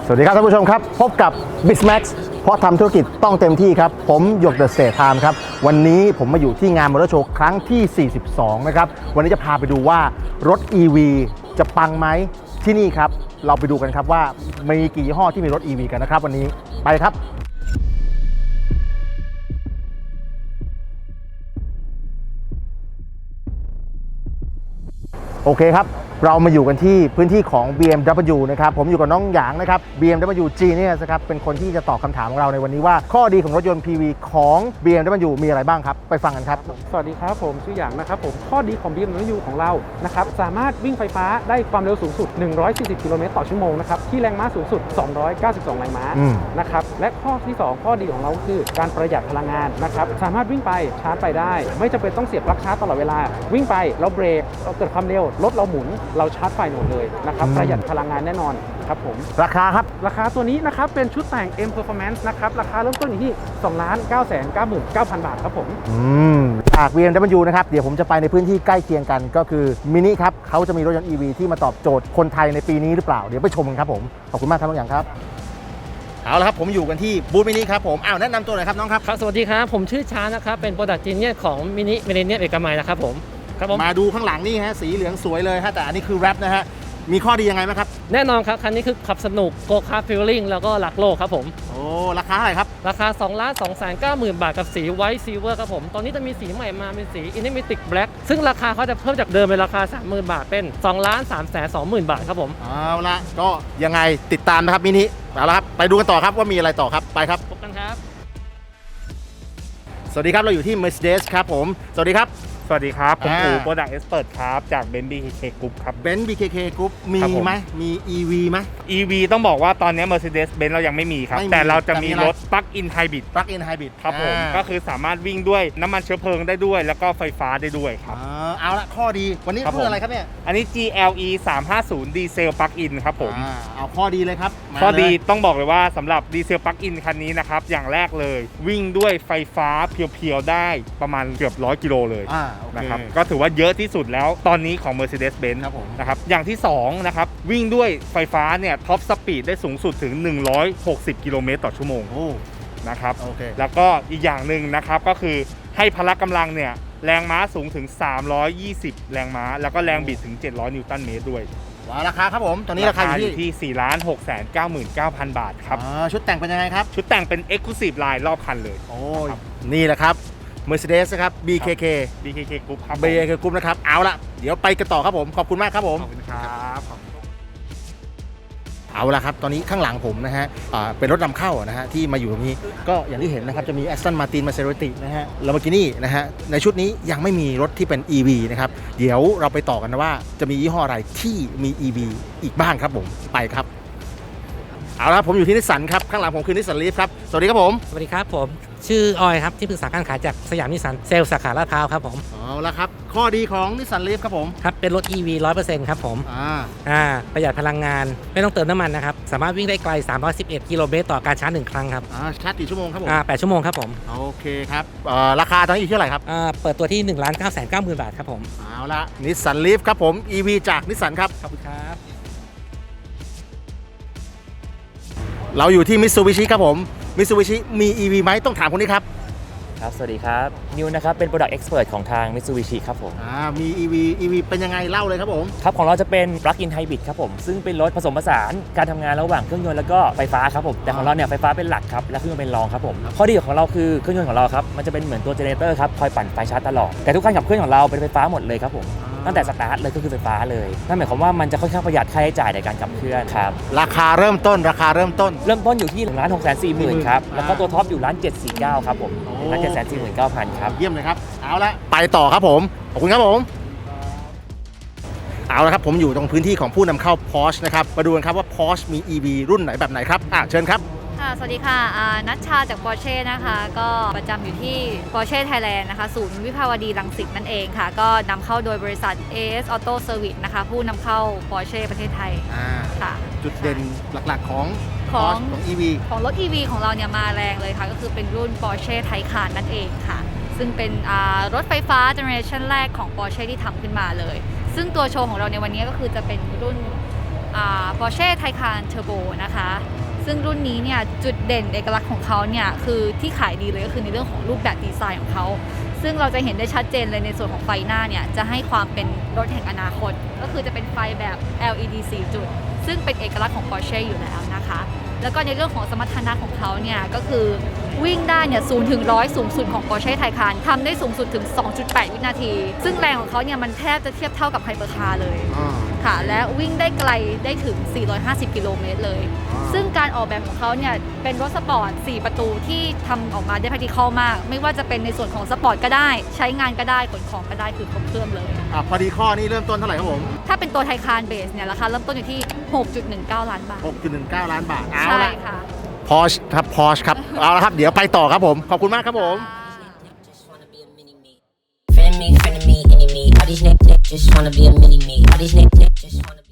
สวัสดีครับท่านผู้ชมครับพบกับ BizMax เพราะทำธุรกิจต้องเต็มที่ครับผมหยกเดอะสเตทไทม์ครับวันนี้ผมมาอยู่ที่งานมอเตอร์โชว์ครั้งที่ 42 นะครับวันนี้จะพาไปดูว่ารถ EV จะปังไหมที่นี่ครับเราไปดูกันครับว่ามีกี่ยี่ห้อที่มีรถ EV กันนะครับวันนี้ไปครับโอเคครับเรามาอยู่กันที่พื้นที่ของ BMW นะครับผมอยู่กับน้องหยางนะครับ BMW Genius นะครับเป็นคนที่จะตอบคำถามของเราในวันนี้ว่าข้อดีของรถยนต์ PV ของ BMW มีอะไรบ้างครับไปฟังกันครับสวัสดีครับผมชื่อหยางนะครับผมข้อดีของ BMW ของเรานะครับสามารถวิ่งไฟฟ้าได้ความเร็วสูงสุด140กิโลเมตรต่อชั่วโมงนะครับที่แรงม้าสูงสุด292แรงม้านะครับและข้อที่2ข้อดีของเราคือการประหยัดพลังงานนะครับสามารถวิ่งไปชาร์จไปได้ไม่จำเป็นต้องเสียบปลั๊กชาร์จตลอดเวลาวิ่งไปเราเบรกเราเกิดความเร็วรถเราหมุนเราชาร์จไฟหมดเลยนะครับประหยัดพลังงานแน่นอนครับผมราคาครับราคาตัวนี้นะครับเป็นชุดแต่ง M Performance นะครับราคาเริ่มต้นอยู่ที่ 2,999,000 บาทครับผมจาก BMW นะครับเดี๋ยวผมจะไปในพื้นที่ใกล้เคียงกันก็คือมินิครับเขาจะมีรถยนต์ EV ที่มาตอบโจทย์คนไทยในปีนี้หรือเปล่าเดี๋ยวไปชมกันครับผมขอบคุณมากครับน้องหยางครับเอาละครับผมอยู่กันที่บูธมินิครับผมแนะนำตัวหน่อยครับน้องครับครับสวัสดีครับผมชื่อช้านะครับเป็น Product Genius ของมินิมิเลเนียมเอกมัยนะครับผมมาดูข้างหลังนี่ฮะสีเหลืองสวยเลยฮะแต่อันนี้คือแรปนะฮะมีข้อดียังไงไหมครับแน่นอนครับคันนี้คือขับสนุกโกคาร์ทฟีลลิ่งแล้วก็หลักโลกครับผมโอ้ราคาเท่าไหร่ครับราคา 2,290,000 บาทกับสีไวท์ซิลเวอร์ครับผมตอนนี้จะมีสีใหม่มาเป็นสี Infinity Black ซึ่งราคาเขาจะเพิ่มจากเดิมเป็นราคา 30,000 บาทเป็น2,320,000 บาทครับผมเอาละก็ยังไงติดตามนะครับมินิเอาละครับไปดูกันต่อครับว่ามีอะไรต่อครับไปครับพบกันครับสวัสดีครับเราอยู่ที่ Mercedes ครับผมสวัสดีครับสวัสดีครับผมอู๋ Product Expert ครับจาก Benz BKK Group ครับ Benz BKK Group มีไหมมี EV ไหม EV ต้องบอกว่าตอนนี้ Mercedes-Benz เรายังไม่มีครับแต่เราจะมีรถ Plug-in Hybrid Plug-in Hybrid ครับผมก็คือสามารถวิ่งด้วยน้ำมันเชื้อเพลิงได้ด้วยแล้วก็ไฟฟ้าได้ด้วยครับเอาละข้อดีวันนี้คืออะไรครับเนี่ยอันนี้ GLE 350 ดีเซล Plug-in ครับผมเอาข้อดีเลยครับข้อดีต้องบอกเลยว่าสำหรับดีเซล Plug-in คันนี้นะครับอย่างแรกเลยวิ่งด้วยไฟฟ้าเพียวๆได้ประมาณเกือบ100 กิโลเลยนะครับก็ถือว่าเยอะที่สุดแล้วตอนนี้ของ Mercedes-Benz นะครับอย่างที่2นะครับวิ่งด้วยไฟฟ้าเนี่ยท็อปสปีดได้สูงสุดถึง160กิโลเมตรต่อชั่วโมงนะครับแล้วก็อีกอย่างหนึ่งนะครับก็คือให้พละกำลังเนี่ยแรงม้าสูงถึง320แรงม้าแล้วก็แรงบิดถึง700นิวตันเมตรด้วยราคาครับผมตอนนี้ราคาอยู่ที่ 4,699,000 บาทครับชุดแต่งเป็นยังไงครับชุดแต่งเป็น Exclusive Line รอบคันเลยนี่แหละครับMercedes นะครับ BKK Group ครับ BKK Group นะครับเอาละเดี๋ยวไปกันต่อครับผมขอบคุณมากครับผมขอบคุณครับเอาละครับตอนนี้ข้างหลังผมนะฮะเป็นรถนำเข้านะฮะที่มาอยู่ตรงนี้ก็อย่างที่เห็นนะครับจะมี Aston Martin Maserati นะฮะ Lamborghini นะฮะในชุดนี้ยังไม่มีรถที่เป็น EV นะครับเดี๋ยวเราไปต่อกันนะว่าจะมียี่ห้ออะไรที่มี EV อีกบ้างครับผมไปครับเอาละผมอยู่ที่นิสสันครับข้างหลังผมคือนิสสันลีฟครับสวัสดีครับผมสวัสดีครับผมชื่อออยครับที่ปรึกษาการขายจากสยามนิสสันเซลล์สาขาลาดพร้าวครับผมเอาละครับข้อดีของนิสสันลีฟครับผมครับเป็นรถ EV 100% ครับผมประหยัดพลังงานไม่ต้องเติมน้ำมันนะครับสามารถวิ่งได้ไกล311กิโลเมตรต่อการชาร์จ1ครั้งครับชาร์จกี่ชั่วโมงครับผม 8ชั่วโมงครับผมโอเคครับราคาตอนนี้อยู่ที่เท่าไหร่ครับเปิดตัวที่ 1,990,000 บาทครับผมเอาละนิสสันลีฟครับผม EV จากนิสสันครับขอบคุณครับเราอยู่ที่มิตซูบิชิครับผมมิตซูบิชิมี EV ไหมต้องถามคนนี้ครับครับสวัสดีครับนิวนะครับเป็น Product Expert ของทาง Mitsubishi ครับผมมี EV เป็นยังไงเล่าเลยครับผมครับของเราจะเป็น Plug-in Hybrid ครับผมซึ่งเป็นรถผสมผสานการทำงานระหว่างเครื่องยนต์แล้วก็ไฟฟ้าครับผมแต่ของเราเนี่ยไฟฟ้าเป็นหลักครับและเครื่องยนต์เป็นรองครับผมข้อดีของเราคือเครื่องยนต์ของเราครับมันจะเป็นเหมือนตัวเจเนเรเตอร์ครับคอยปั่นไฟชาร์จตลอดแต่ทุกการขับเคลื่อนของเราเป็นไฟฟ้าหมดเลยครับผมตั้งแต่สตาร์ทเลยก็คือไฟฟ้าเลยนั่นหมายความว่ามันจะค่อนข้างประหยัดค่าใช้จ่ายในการขับเคลื่อนครับราคาเริ่มต้นอยู่ที่1,640,000ครับแล้วก็ตัวท็อปอยู่1,749,000ครับผม1,749,000ครับเยี่ยมเลยครับเอาละไปต่อครับผมขอบคุณครับผมเอาละครับผมอยู่ตรงพื้นที่ของผู้นำเข้า Porsche นะครับมาดูกันครับว่า Porsche มี EV รุ่นไหนแบบไหนครับเชิญครับสวัสดีค่ะนัชชาจาก Porsche นะคะก็ประจำอยู่ที่ Porsche Thailand นะคะศูนย์วิภาวดีรังสิตนั่นเองค่ะก็นำเข้าโดยบริษัท AS Auto Service นะคะผู้นำเข้า Porsche ประเทศไทยค่ะจุดเด่นหลักๆของ EV ของรถ EV ของเราเนี่ยมาแรงเลยค่ะก็คือเป็นรุ่น Porsche Taycan นั่นเองค่ะซึ่งเป็นรถไฟฟ้าเจเนอเรชันแรกของ Porsche ที่ทำขึ้นมาเลยซึ่งตัวโชว์ของเราในวันนี้ก็คือจะเป็นรุ่น Porsche Taycan Turbo นะคะ ซึ่งรุ่นนี้เนี่ยจุดเด่นเอกลักษณ์ของเขาเนี่ยคือที่ขายดีเลยก็คือในเรื่องของรูปแบบดีไซน์ของเขาซึ่งเราจะเห็นได้ชัดเจนเลยในส่วนของไฟหน้าเนี่ยจะให้ความเป็นรถแห่งอนาคตก็คือจะเป็นไฟแบบ LED 4 จุดซึ่งเป็นเอกลักษณ์ของ Porsche อยู่แล้วนะคะแล้วก็ในเรื่องของสมรรถนะของเขาเนี่ยก็คือวิ่งได้เนี่ย0 ถึง 100สูงสุดของ Porsche Taycan ทำได้สูงสุดถึง 2.8 วินาทีซึ่งแรงของเขาเนี่ยมันแทบจะเทียบเท่ากับไฮเปอร์คาร์เลยค่ะและวิ่งได้ไกลได้ถึง450กิโลเมตรเลยซึ่งการออกแบบของเขาเนี่ยเป็นรถสปอร์ต4ประตูที่ทำออกมาได้ practical มากไม่ว่าจะเป็นในส่วนของสปอร์ตก็ได้ใช้งานก็ได้ขนของก็ได้คือครบเครื่องเลยพอดีข้อนี่เริ่มต้นเท่าไหร่ครับผมถ้าเป็นตัว Taycan Base เนี่ยราคาเริ่มต้นอยู่ที่ 6.19 ล้านบาท 6.19 ล้านบาทเอาใช่ละค่ะ Porsche ครับ Porsche ครับ เอาละครับ เดี๋ยวไปต่อครับผม ขอบคุณมากครับผม Just wanna be a mini me. Frenemy, enemy. All these niggas just wanna be a mini me. All these niggas just wanna be.